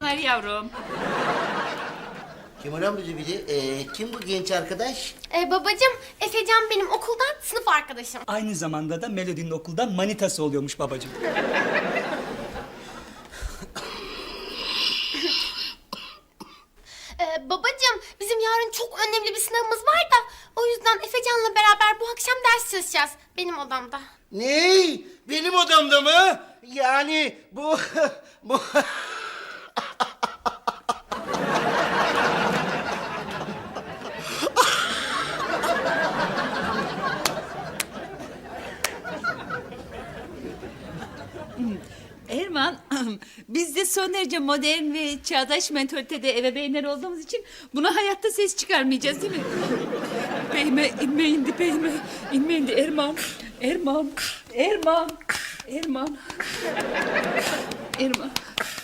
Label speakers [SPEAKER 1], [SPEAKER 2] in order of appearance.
[SPEAKER 1] çocuklar yavrum.
[SPEAKER 2] Kemal amca bir de kim bu genç arkadaş?
[SPEAKER 3] Babacığım, Efecan benim okuldan sınıf arkadaşım.
[SPEAKER 4] Aynı zamanda da Melody'nin okuldan manitası oluyormuş babacığım.
[SPEAKER 3] Babacığım, bizim yarın çok önemli bir sınavımız var da... ...o yüzden Efecan'la beraber bu akşam ders çalışacağız benim odamda.
[SPEAKER 2] Ne? Benim odamda mı? Yani bu... bu...
[SPEAKER 1] Erman, biz de son derece modern ve çağdaş mentalitede ebeveynler olduğumuz için buna hayatta ses çıkarmayacağız değil mi? Beyme, inme indi beyme, inme indi Erman, Erman, Erman, Erman, Erman.